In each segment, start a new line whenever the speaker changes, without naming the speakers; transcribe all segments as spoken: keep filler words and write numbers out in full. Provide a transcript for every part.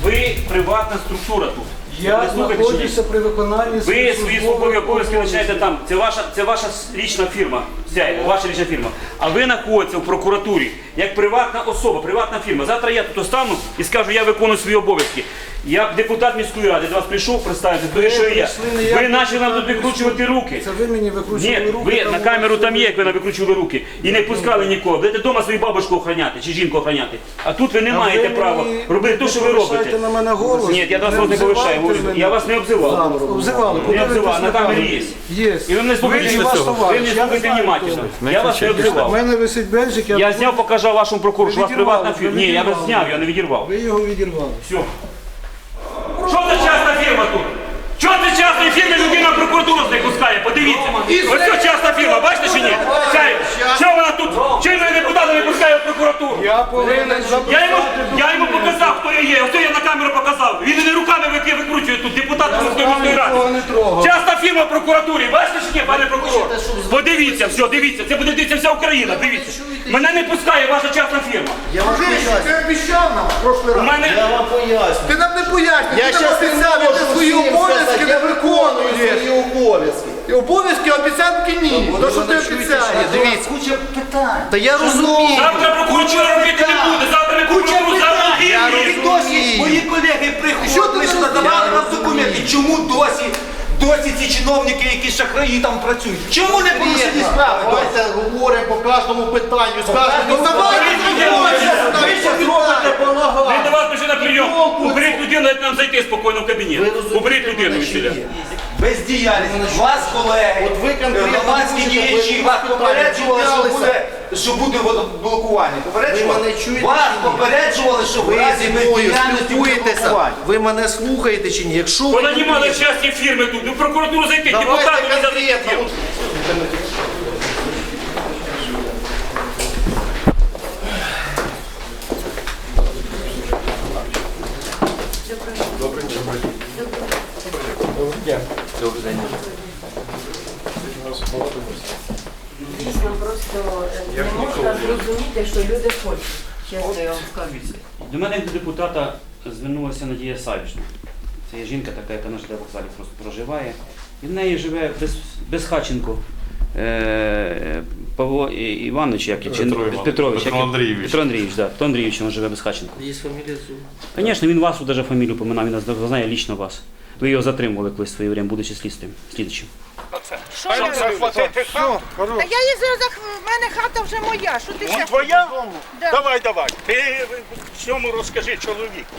Ви приватна структура тут.
Я
Ви слухайте,
знаходжуся при виконанні
ви
своїх
свої
службових
службові обов'язки
обов'язків.
починаєте там. Це ваша, це ваша лічна фірма. Вся, ваша лічна фірма. А ви знаходитеся в прокуратурі як приватна особа, приватна фірма. Завтра я тут остану і скажу, я виконую свої обов'язки. Як депутат міської ради до вас прийшов представити, то що я. Ви почали нам тут викручувати руки.
Це ви мені викручували
Ні,
руки.
ви
там
на
у
камеру
вас
там є,
є.
як ви нам викручували руки. І не пускали нікого. Будете вдома свою бабушку охороняти чи жінку охороняти. А тут ви не
А
маєте
ви
права
мені
робити те, що ви
не
робите.
повишайте на мене голос.
Ні, я вас
Не
не повишаю.
обзивайте мене.
Я вас не обзивав.
Обзивали.
Не обзивав, на камері є.
Є.
І ви мене слухайте,
Ви,
ви
ваш
не
товариш. Я не
слухайте
знаю,
внимательно.
хто
Я вас не
У
обзивав.
мене висить бельчик,
Я зняв, показав вашому прокурору, що у вас
відірвали,
приватна
ви
фірма. Ні, я вас
відірвали.
зняв, я не відірвав.
Ви його відірвали.
Все. Що за частна фірма тут? Чого це частна фірма людина в прокуратуру не пускає? Подивіться. Ось це частна фірма, бачите чи ні? Чай. Що вона тут? Чим мене депутата не пускає в прокуратуру?
Я повинен
Я йому, я йому показав, хто я є. Ось я на камеру показав. Він мене руками вики- викручує тут, депутат Московської міської
нікого
ради.
не трогав.
Частна фірма в прокуратурі. Бачите чи ні, пане прокурор? Подивіться, все, дивіться. Це буде дивитися вся Україна, дивіться. Мене не пускає ваша частна фірма.
Я вам
Дружище,
поясню.
ти обіцяв нам в прошлий
У
раз.
мене...
Я вам поясню.
Ти нам не пояснюєш,
Я
ти нам
зараз не
обіцяв, і
можу
ти свої
всім
обов'язки
сказати,
не
я виконую
виконуєш.
свої обов'язки.
І обов'язки, обіцянки ні. То, що ти обіцяєш.
Дивіться.
Куча питань.
Та я розумію.
Завтра прокуратура робити не буде. Завтра ми прокуратуру
Я
заводимо.
І досі мої колеги
Що ти
приходили, що
не
надавали нам
розумію?
документи. Чому досі, досі ці чиновники, які шахраї там працюють? Чому не порушені справи?
Давайте говоримо по кожному питанню. З кожним
Ну давай,
Ви ще зробите
Ми
балаган.
до вас прийшли на прийом. Уберіть людину, дайте нам зайти спокійно в кабінет. Уберіть людину від селя.
Бездіяльність. Вас, колеги,
От ви конкретно
громадські
можете
діячі,
ви
вас
питання
попереджували, що
піднялися.
буде, що буде водоблокування. Попереджували?
Ви мене чуєте
Вас
чи ні?
попереджували, що в
Ви
разі
зі мною
бездіяльності буде
спілкуєтеся.
блокування.
Ви мене слухаєте чи ні? Якщо ви
Вона
не
не мали
вмієте,
частні фірми тут. Ну, в прокуратуру зайти,
давайте
депутату не зайти.
конкретно.
Дійсно, просто е, не можна зрозуміти, що люди хочуть. Чесно я вам скажу.
До мене як до депутата звернулася Надія Савішна. Це є жінка така, яка на ЖД вокзалі просто проживає. І в неї живе без, Безхатченко е, Павло І- Іванович, як, чи,
Петро Іванович.
Петрович,
Петро
як,
Андрійович.
Петро Андрійович, да. Петро Андрійович, він живе Безхатченко.
Є фамілія Зуб.
Звісно, він вас даже фамілію поминав, він нас знає лічно вас. Ви його затримували колись в своє время, будучи слідством, слідчим.
Що я роблю? Та я їздила, за х- в мене хата вже моя. Що ти ще?
Твоя?
Да.
Давай, давай. Ти всьому розкажи чоловіку.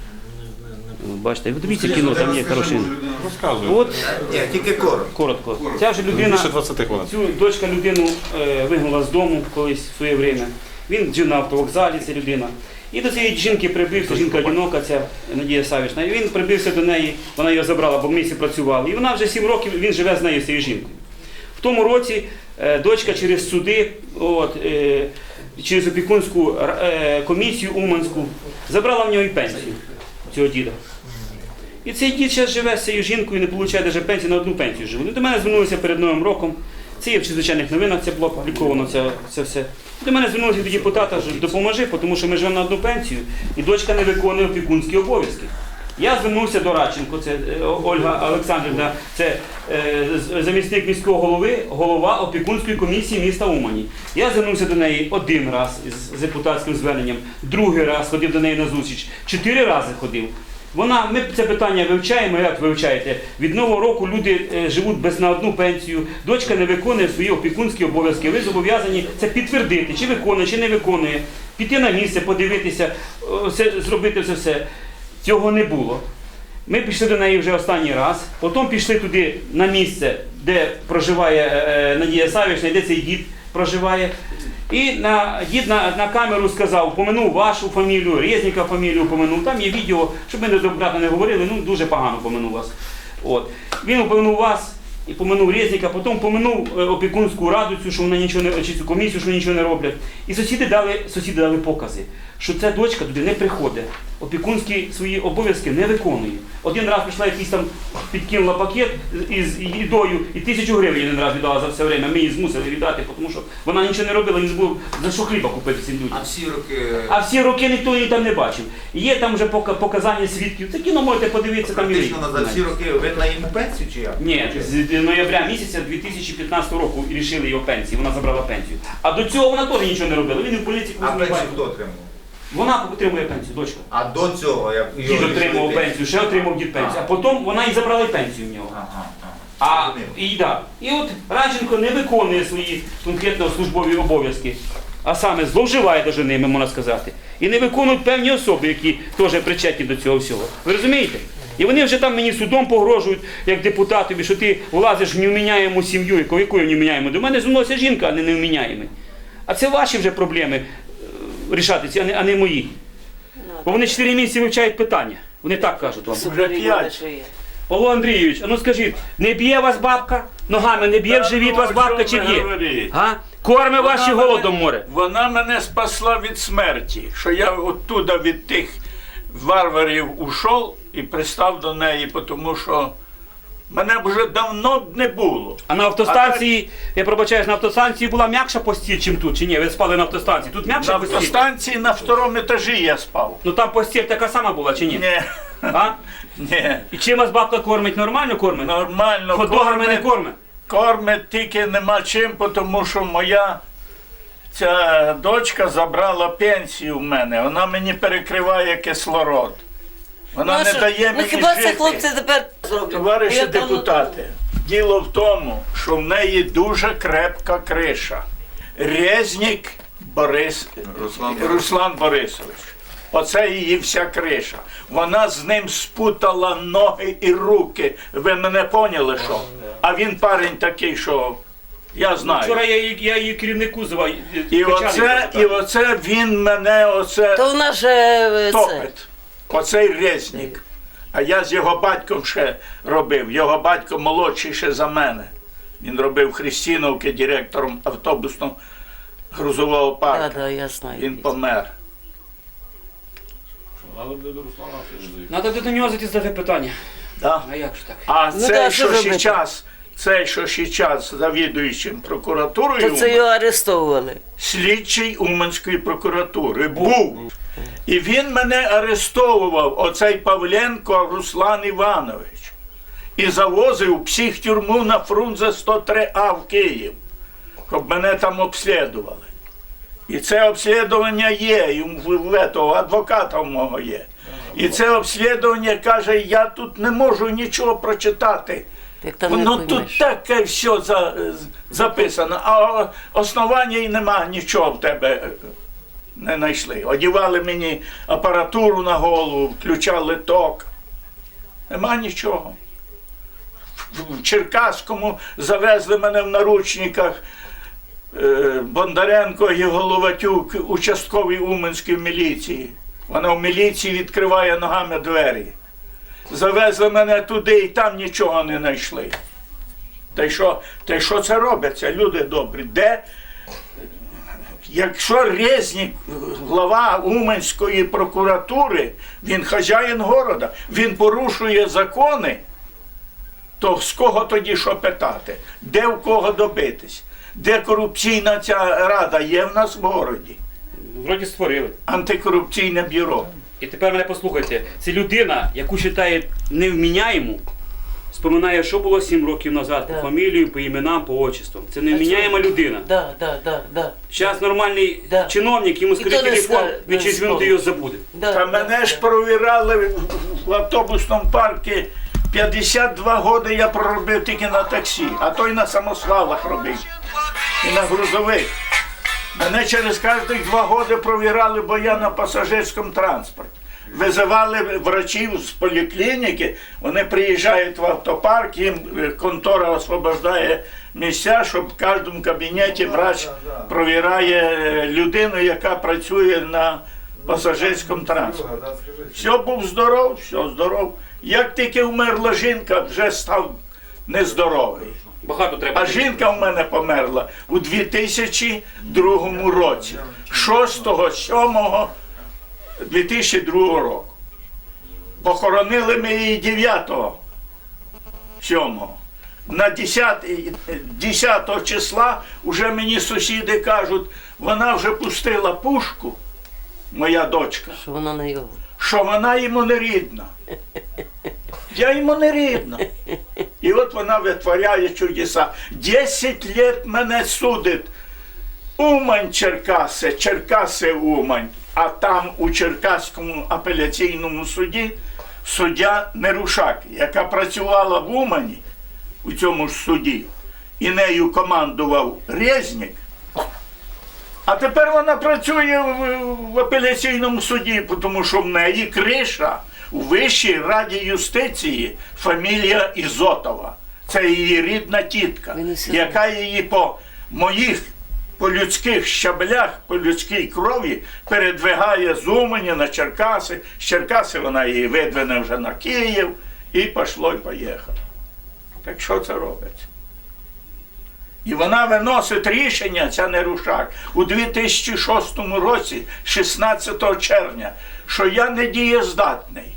Ну, бачите, ви дивіться кіно, там є хороший.
Розказую.
От,
Ні, тільки коротко.
коротко. Ця вже людина,
Більше двадцяти хвилин.
цю дочка людину е, вигнала з дому колись в своє время. Він жив на автовокзалі, ця людина. І до цієї жінки прибився, жінка одинока, ця Надія Савішна. І він прибився до неї, вона його забрала, бо в місті працювала. І вона вже сім років, він живе з нею, з цією жінкою. В тому році е, дочка через суди, от, е, через опікунську е, комісію Уманську, забрала в нього і пенсію цього діда. І цей дід зараз живе з цією жінкою, не отримує навіть пенсію, на одну пенсію живе. Ну, до мене звернулися перед Новим роком. Це є в чрезвичайних новинах, це було опубліковано, це, це все. До мене звернулися до депутата, що допоможи, тому що ми живемо на одну пенсію, і дочка не виконує опікунські обов'язки. Я звернувся до Радченко, це е, Ольга Олександрівна, це е, з- замісник міського голови, голова опікунської комісії міста Умані. Я звернувся до неї один раз з, з депутатським зверненням, другий раз ходив до неї на зустріч, чотири рази ходив. Вона, ми це питання вивчаємо, як вивчаєте. Від нового року люди е, живуть без на одну пенсію, дочка не виконує свої опікунські обов'язки. Ви зобов'язані це підтвердити, чи виконує, чи не виконує, піти на місце, подивитися, о, це, зробити це все. Цього не було. Ми пішли до неї вже останній раз, потім пішли туди на місце, де проживає е, Надія Савішна, де цей дід проживає. І на, дід на, на камеру сказав, поминув вашу фамілію, Резніка фамілію поминув. Там є відео, щоб ми не добратно не говорили, ну дуже погано поминув вас. От. Він упомянув вас, і поминув Резника, потім поминув е, опікунську раду, цю, що вона нічого не, чи цю комісію, що нічого не роблять. І сусіди дали, сусіди дали покази, що ця дочка туди не приходить, опікунські свої обов'язки не виконує. Один раз прийшла якийсь там, підкинула пакет із їдою і тисячу гривень один раз віддала за все время. Ми її змусили віддати, тому що вона нічого не робила, не збув за що хліба купити цим людям.
А всі роки...
А всі роки ніхто її там не бачив. Є там вже пока- показання свідків. Це кіно можете подивитися там і ви.
Практично за всі роки ви на йому пенсію чи як?
Ні, з ноября місяця дві тисячі п'ятнадцятого року рішили його пенсії, вона забрала пенсію. А до цього вона теж нічого не робила. Він і в поліції
А
не
пенсію
бачив.
хто отримав?
Вона отримує пенсію, дочка.
А до цього, як
Дід
його
отримував
рішили
пенсію, ще отримав дід пенсію. А потім вона і забрала пенсію в нього.
Ага, ага.
А,
Зрозумів.
і, да. і от Радченко не виконує свої конкретно службові обов'язки, а саме зловживає даже ними, можна сказати. І не виконують певні особи, які теж причетні до цього всього. Ви розумієте? І вони вже там мені судом погрожують, як депутатові, що ти влазиш в невміняєму сім'ю. Яку, яку я невміняєму? До мене звернулася жінка, а не невміняємий. А це ваші вже проблеми е, рішати, ці, а не, а не мої. Бо вони чотири місяці вивчають питання. Вони так кажуть вам.
Вже п'ять.
Павло Андрійович, а ну скажіть, не б'є вас бабка? Ногами не б'є в
Та
живіт
ну,
вас
о
бабка
чому
чи
ви
б'є?
говорите?
А? Корме вас чи
Вона
голодом
мене-
море?
Вона мене спасла від смерті, що я оттуда від тих варварів ушов і пристав до неї, тому що мене вже давно не було.
А на автостанції, я пробачаюсь, на автостанції була м'якша постіль, чим тут, чи ні? Ви спали на автостанції. Тут
На
м'якша постіль?
автостанції на второму етажі я спав.
Ну там постіль така сама була, чи ні?
Ні,
А?
ні,
І чим вас бабка кормить? Нормально кормить?
нормально
Хот-догами не кормить?
Кормить тільки нема чим, тому що моя ця дочка забрала пенсію в мене. Вона мені перекриває кислород. Вона не дає
Ну
мені
хіба це
жити.
хлопці тепер зроблять?
Товариші
Я давно-
депутати, діло в тому, що в неї дуже крепка криша. Резнік Борис... Руслан, Руслан Борисович. Оце її вся криша. Вона з ним спутала ноги і руки. Ви мене поняли, що? А він парень такий, що я знаю.
Вчора я, її- я її керівнику звав.
І оце, і оце він мене оце
То вона ж е, це.
топить. Оцей Резнік. А я з його батьком ще робив. Його батько молодший ще за мене. Він робив Христіновки директором автобусного грузового
Да,
парку.
да, я знаю.
Він помер.
Надо до нього зайти задати питання.
Да?
А як ж так?
А
Ну
цей,
да, що
що
робити?
зараз, цей, що зараз завідуючим прокуратурою,
То це його арестовували.
слідчий Уманської прокуратури був. І він мене арестовував, оцей Павленко Руслан Іванович. І завозив в психтюрму на Фрунзе сто три А в Київ, щоб мене там обслідували. І це обслідування є, і в, в того адвоката в мого є. І це обслідування каже, я тут не можу нічого прочитати.
Як там не
Воно тут
поймеш.
таке все за, записано, а основання і нема нічого в тебе е, не знайшли. Одівали мені апаратуру на голову, включали ток. Нема нічого. В- В Черкаському завезли мене в наручниках е, Бондаренко і Головатюк, участковий Уманської міліції. Вона в міліції відкриває ногами двері. Завезли мене туди і там нічого не знайшли. Та й що, та й що це робиться, люди добрі? Де? Якщо Резнік, глава Уманської прокуратури, він хазяїн города, він порушує закони, то з кого тоді що питати? Де в кого добитись? Де корупційна ця рада є в нас в городі?
Вроді створили.
Антикорупційне бюро.
І тепер мене послухайте. Це людина, яку вважають невміняєму, споминає, що було сім років назад,
Да.
по фамілію, по іменам, по отчествам. Це невміняєма людина.
Да, да, да, да.
Зараз нормальний
Да.
чиновник, йому скажи
І то не
телефон,
ска-
він
не
через минуту
спомниш.
його забуде.
Да,
Та
да,
мене ж
да.
провірали в- в автобусному парку. п'ятдесят два роки я проробив тільки на таксі, а той на самосвалах робив. І на грузових. Мене через кожних два роки провірали, бо я на пасажирському транспорті. Визивали врачів з поліклініки, вони приїжджають в автопарк, їм е, контора освобождає місця, щоб в кожному кабінеті врач провіряє е, людину, яка працює на пасажирському транспорті. Все був здоров, все здоров. Як тільки вмерла жінка, вже став нездоровий.
Багато треба.
А жінка в мене померла у дві тисячі другому році, шостого сьомого дві тисячі другого року. Похоронили ми її дев'ятого сьомого. На десятого числа вже мені сусіди кажуть, вона вже пустила пушку, моя дочка,
Що вона не його.
що вона йому не рідна. Я йому не рідна. І от вона витворяє чудеса. Десять лет мене судить. Умань, Черкаси, Черкаси, Умань. А там у Черкаському апеляційному суді суддя Нерушак, яка працювала в Умані у цьому ж суді, і нею командував Резнік. А тепер вона працює в, в апеляційному суді, тому що в неї криша у Вищій раді юстиції фамілія Ізотова. Це її рідна тітка, яка її по моїх, по людських щаблях, по людській крові передвигає з Умані на Черкаси. З Черкаси вона її видвине вже на Київ і пішло і поїхало. Так що це робиться? І вона виносить рішення, ця Нерушак, у дві тисячі шостому році, шістнадцятого червня, що я не дієздатний.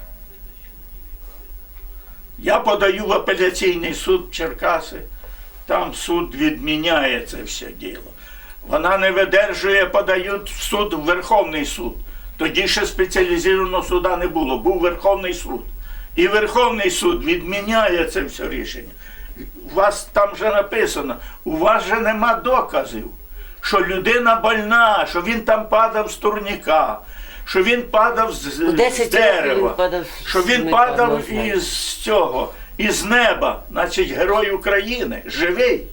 Я подаю в апеляційний суд в Черкаси, там суд відміняє це все діло. Вона не видержує, подають в суд, в Верховний суд. Тоді ще спеціалізованого суда не було, був Верховний суд. І Верховний суд відміняє це все рішення. У вас там вже написано, у вас же нема доказів, що людина больна, що він там падав з турніка, що він падав з,
У
з
десять років він
дерева,
падав з
що він
турніка,
падав
не знаю.
із цього, із неба, значить герой України, живий.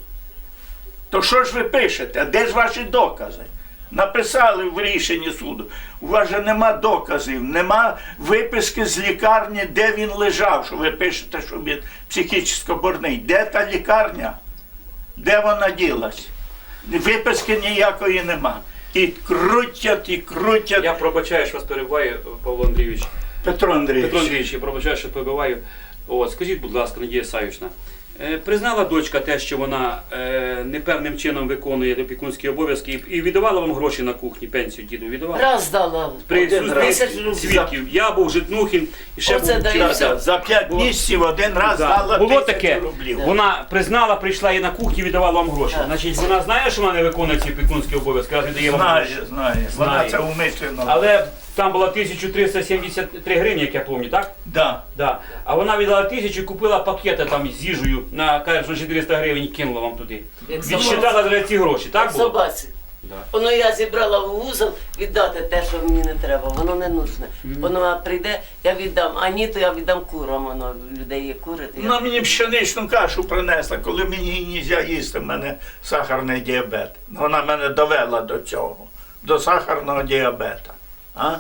То що ж ви пишете? А де ж ваші докази? Написали в рішенні суду. У вас же нема доказів, нема виписки з лікарні, де він лежав, що ви пишете, що він психічно больний. Де та лікарня? Де вона ділась? Виписки ніякої нема. І крутять, і крутять.
Я пробачаю, що вас перебуваю, Павло Андрійович.
Петро Андрійович.
Петро Андрійович, я пробачаю, що перебиваю. От, скажіть, будь ласка, Надія Савішна, е, признала дочка те, що вона е, непевним чином виконує опікунські обов'язки і, і віддавала вам гроші на кухні, пенсію діду віддавала?
Раз дала.
При
один раз.
Тисяч
суді
рублів.
свідків. Я був Житнухін і ще
Оце
був
дає
Чірка.
все.
За п'ять
Було-
місяців один раз
Да.
дала
Було
тисячу
таке,
рублів.
вона признала, прийшла і на кухні віддавала вам гроші.
Так.
Значить, вона знає, що вона не виконує ці опікунські обов'язки, раз віддає вам
Знає,
гроші.
знає. Вона
Знає.
це умишлено.
Але там було тисяча триста сімдесят три гривні, як я пам'ятаю, так?
Да.
Да. А вона віддала тисячу і купила пакети там з їжею на, каже, що чотириста гривень і кинула вам туди.
Як
Відсчитала за ці гроші, так було?
Собаці.
Да.
Воно я зібрала в вузол віддати те, що мені не треба. Воно не нужне. Воно прийде, я віддам. А ні, то я віддам курам. Воно в людей є кури. то я-
Вона мені пшеничну кашу принесла, коли мені не можна їсти, в мене сахарний діабет. Вона мене довела до цього, до сахарного діабета. А?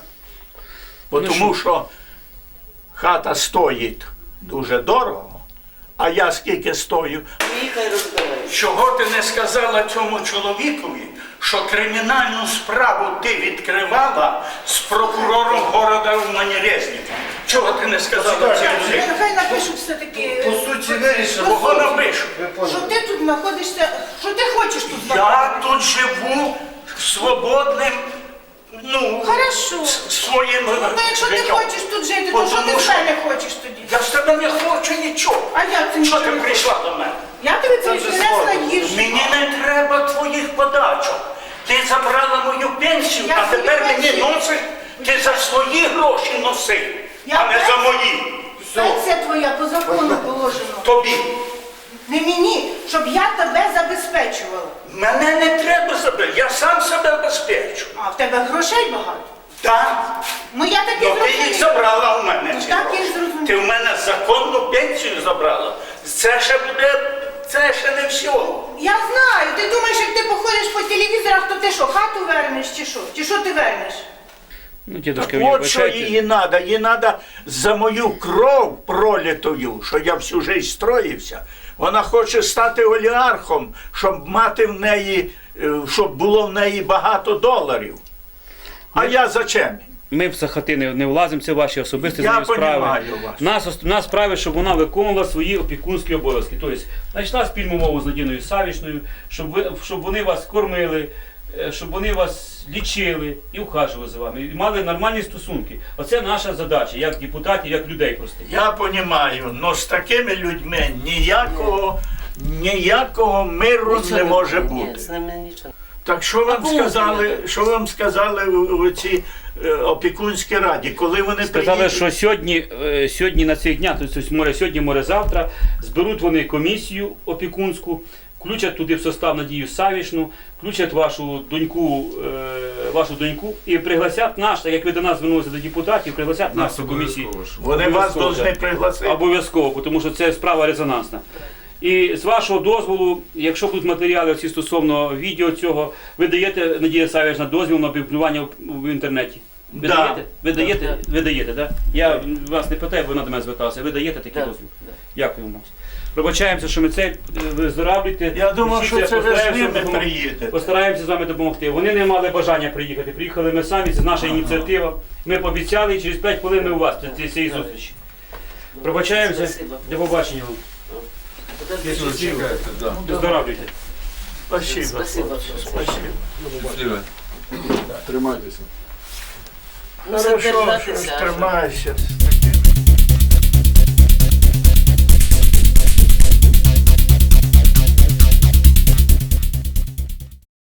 Бо
Ну,
тому що хата стоїть дуже дорого, а я скільки стою.
Їхай розбирай.
Чого ти не сказала цьому чоловікові, що кримінальну справу ти відкривала з прокурором города Умані-Резника? Чого ти не сказала цьому?
Нехай напишу все-таки,
По суті, вирішили.
Кого напишу?
що ти тут знаходишся, що ти хочеш тут знаходитися.
Я тут живу свободним, ну,
Хорошо.
с- своїм
Ну, якщо ти
життям.
хочеш тут жити, то що ти
Потому
з
що
мене хочеш тоді?
я з тебе не хочу нічого.
А як ти
Що
нічого
ти
не
прийшла до мене?
Я тобі принесла їжу.
Мені не треба твоїх подачок. Ти забрала мою пенсію,
Я
а тепер
свою
мені
пенсію-
носиш, ти за свої гроші носи,
Я
а не за
пенсію-
мої.
Пенсія твоя по закону положено.
Тобі.
Не мені, щоб я тебе забезпечувала.
Мене не треба забрати, я сам себе безпечу.
А в тебе грошей багато.
Так?
Ну я так і
Ну ти їх
зрозуміла.
забрала у мене.
Ну,
ці
так
гроші.
і зрозуміла.
Ти в мене законну пенсію забрала. Це ще буде, це ще не все.
Я знаю, ти думаєш, як ти походиш по телевізорах, то ти що, хату вернеш чи що? Чи що ти вернеш?
Ну, дідушка,
Так
ви
от що
вибачайте.
їй треба. Їй треба за мою кров пролитою, що я всю життя строївся. Вона хоче стати олігархом, щоб мати в неї, е, щоб було в неї багато доларів. А я зачем?
ми в Сахати не, не влазимо, це ваші особисті
Я
з нею справи.
понімаю вас.
Нас, ос- нас справи, щоб вона виконувала свої опікунські обов'язки. Тобто, знайшла спільну мову з Надіною Савішною, щоб, ви, щоб вони вас кормили, е, щоб вони вас лічили і ухажували за вами, і мали нормальні стосунки. Оце наша задача, як депутатів, як людей простих.
Я розумію, але з такими людьми ніякого, ніякого миру
Нічого
не може
ні,
бути.
з ними нічого.
Так що вам
кому
сказали,
треба?
що вам сказали у, у цій е, опікунській раді, коли вони
Сказали,
приїдуть?
що сьогодні, е, сьогодні на цих днях, тобто море сьогодні, море завтра, зберуть вони комісію опікунську, включать туди в состав Надію Савішну, включать вашу доньку, е, вашу доньку і пригласять нас, так як ви до нас звернулися до депутатів, пригласять нас у комісію.
Вони вас
Обов'язково,
повинні
так.
пригласити.
Обов'язково, тому що це справа резонансна. І з вашого дозволу, якщо будуть матеріали всі стосовно відео цього, ви даєте, Надія Савішна, дозвіл на опублікування в, в інтернеті? Ви
Да.
даєте? Ви даєте?
Да.
Ви даєте, так? Я вас не питаю, бо вона до мене зверталася. Ви даєте такий
Да.
дозвіл? Дякую вам. Пробачаємося, що ми це е, виздоравлюєте.
Я думав, що
Вчіться,
це ви з
постараємося
ними
допомогти.
приїдете.
Постараємося з вами допомогти. Вони не мали бажання приїхати. Приїхали ми самі, це наша ініціатива. Ми пообіцяли, і через п'ять хвилин ми у вас після цієї зустрічі. Пробачаємося.
Спасибо.
До побачення вам.
Подожди.
Виздоравлюйте.
Спасибо.
Спасибо.
Спасибо.
Тримайтеся.
Надо
Хорошо, що ж
держатися.
тримайся.